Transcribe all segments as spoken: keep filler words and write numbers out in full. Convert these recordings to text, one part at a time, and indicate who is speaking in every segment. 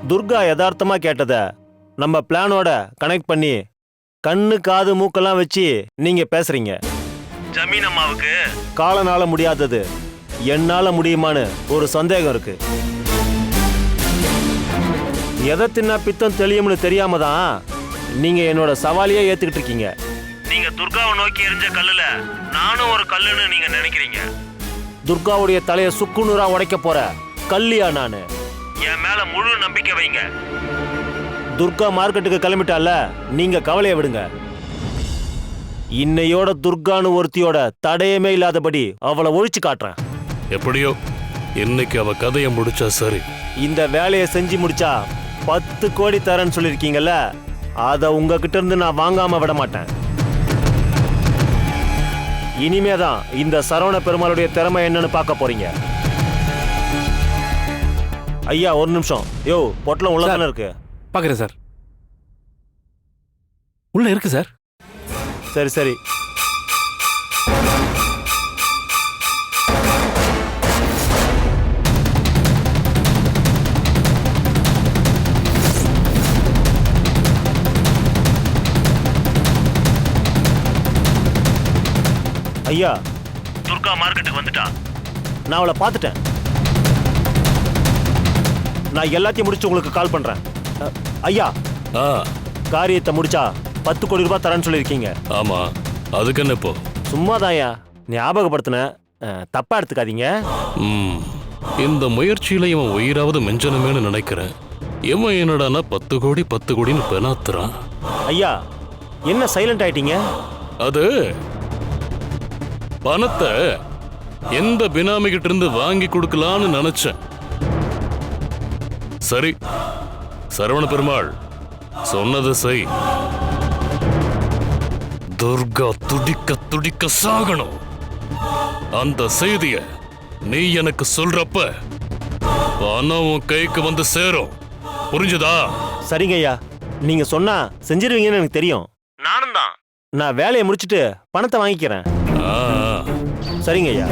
Speaker 1: துர்கா யதார்த்தமா கேட்டத நம்ம பிளானோட கனெக்ட் பண்ணி கண்ணு காது மூக்கெல்லாம் வச்சு நீங்க பேசுறீங்க. ஜமீன் அம்மாவுக்கு காலனால முடியாதது என்னால முடியுமான்னு ஒரு சந்தேகம் இருக்கு. எதை தின்னா பித்தம் தெளியும்னு தெரியாம தான் நீங்க என்னோட சவாலியே ஏத்துக்கிட்டு இருக்கீங்க. நீங்க துர்காவை நோக்கி எரிஞ்ச கல்லுல நானும் ஒரு கல்லுன்னு நீங்க நினைக்கிறீங்க. துர்காவுடைய தலைய சுக்குநூறா உடைக்க போற கல்லியா நானு. என் மேல முழு நம்பிக்கை வைங்க. துர்கா மார்க்கெட்டுக்கு கிளம்பிட்டால, நீங்க கவலையை விடுங்க. இன்னையோட துர்கான்னு ஒருத்தியோட தடையமே இல்லாதபடி அவளை ஒழிச்சு காட்டுறேன்.
Speaker 2: எப்படியோ இன்னைக்கு அவ கதையை முடிச்சா சரி.
Speaker 1: இந்த வேலையை செஞ்சு முடிச்சா பத்து கோடி தரேன்னு சொல்லியிருக்கீங்கல்ல, அதை உங்ககிட்ட இருந்து நான் வாங்காம விட மாட்டேன். இனிமேதான் இந்த சரவண பெருமாளுடைய திறமை என்னன்னு பார்க்க போறீங்க. ஐயா ஒரு நிமிஷம். யோ பொட்டலம் உள்ள தானே இருக்கு?
Speaker 3: பார்க்குறேன் சார். உள்ள இருக்கு சார்.
Speaker 1: சரி சரி. ஐயா துர்கா மார்க்கெட்டுக்கு வந்துட்டா. நான் அவளை பார்த்துட்டேன். நான் எல்லாத்தையும் முடிச்சு உங்களுக்கு கால் பண்றேன். அ, ஐயா
Speaker 2: ஆ
Speaker 1: காரியத்தை முடிச்சா பத்து கோடி ரூபாய் தரேன்னு சொல்லியிருக்கீங்க.
Speaker 2: ஆமா, அதுக்கு என்ன இப்போ?
Speaker 1: சும்மாதான் ஐயா ஞாபகப்படுத்தின, தப்பா எடுத்துக்காதீங்க.
Speaker 2: ம் இந்த முயற்சியில இவன் உயிராவது மெஞ்சனமேனு நினைக்கிறேன். இவன் என்னடானா பத்து கோடி பத்து கோடின்னு பெனாத்துறான்.
Speaker 1: ஐயா என்ன சைலண்ட் ஆயிட்டீங்க?
Speaker 2: அது பணத்தை எந்த பினாமிகிட்ட இருந்து வாங்கி கொடுக்கலான்னு நினைச்சேன். சரி, சரவண பெருமாள் சொன்னது செய். துர்கா துடிக்க துடிக்க சாகணும். அந்த செய்திய நீ எனக்கு சொல்றப்ப பணம் உன் கைக்கு வந்து சேரும். புரிஞ்சுதா?
Speaker 1: சரிங்க ஐயா, நீங்க சொன்னா செஞ்சிருவீங்கன்னு எனக்கு தெரியும். நானும் தான். நான் வேலையை முடிச்சிட்டு பணத்தை வாங்கிக்கிறேன்.
Speaker 2: ஆ,
Speaker 1: சரிங்க ஐயா.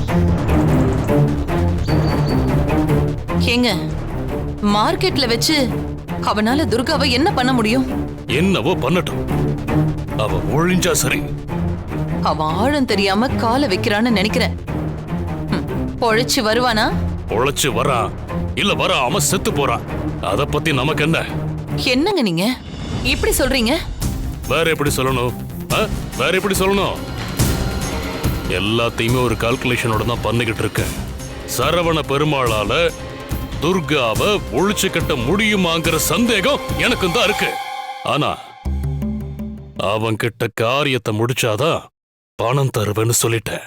Speaker 4: ஏங்க மார்க்கெட்ல வச்சு அவனால துர்காவை என்ன பண்ண முடியும்?
Speaker 2: என்னவோ பண்ணட்டும், அவ ஒழிஞ்சா சரி.
Speaker 4: அவன் ஆழம் தெரியாம காலை வைக்கிறான்னு நினைக்கிறேன். ம், பொழைச்சு வருவானா?
Speaker 2: உழைச்சு வரா இல்ல வராம செத்து போறான், அத பத்தி நமக்கு என்ன?
Speaker 4: என்னங்க நீங்க இப்படி சொல்றீங்க?
Speaker 2: வேற எப்படி சொல்லணும்? ஆ? வேற எப்படி சொல்லணும்? எல்லாத்தையுமே ஒரு கால்குலேஷனோட தான் பண்ணிக்கிட்டு இருக்கேன். சரவண பெருமாளால துர்காவை ஒழிச்சு கட்ட முடியுமாங்கிற சந்தேகம் எனக்கு தான் இருக்கு. ஆனா அவன் கிட்ட காரியத்தை முடிச்சாதான் பணம் தருவேன்னு சொல்லிட்டேன்.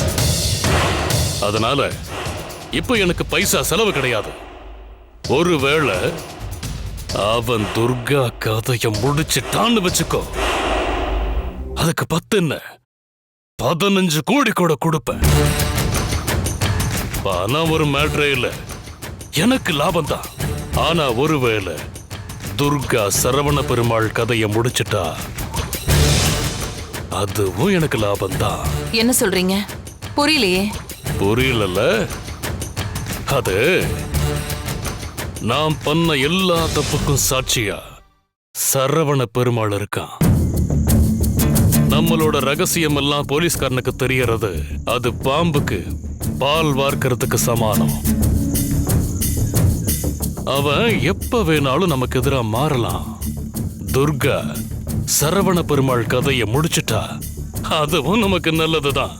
Speaker 2: அதனால இப்ப எனக்கு பைசா செலவு கிடையாது. ஒருவேளை அவன் துர்கா கதைய முடிச்சுட்டான்னு வச்சுக்கோ, அதுக்கு பத்து என்ன பதினஞ்சு கோடி கூட கொடுப்பேன். பணம் ஒரு மேட்ரே இல்ல, எனக்கு லாபம் தான். ஆனா ஒருவேளை துர்கா சரவண பெருமாள் கதைய முடிச்சிட்டா அதுவும் எனக்கு லாபம் தான்.
Speaker 4: என்ன சொல்றீங்க? புரியலையே.
Speaker 2: புரியல? அது நான் பண்ண எல்லா தப்புக்கும் சாட்சியா சரவண பெருமாள் இருக்கான். நம்மளோட ரகசியம் எல்லாம் போலீஸ்காரனுக்கு தெரியறது அது பாம்புக்கு பால் வார்க்கறதுக்கு சமானம். அவன் எப்ப வேணாலும் நமக்கு எதிரா மாறலாம். துர்கா சரவண பெருமாள் கதையை முடிச்சிட்டா அதுவும் நமக்கு நல்லதுதான்.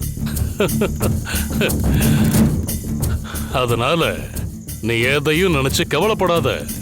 Speaker 2: அதனால நீ எதையும் நினைச்சு கவலைப்படாத.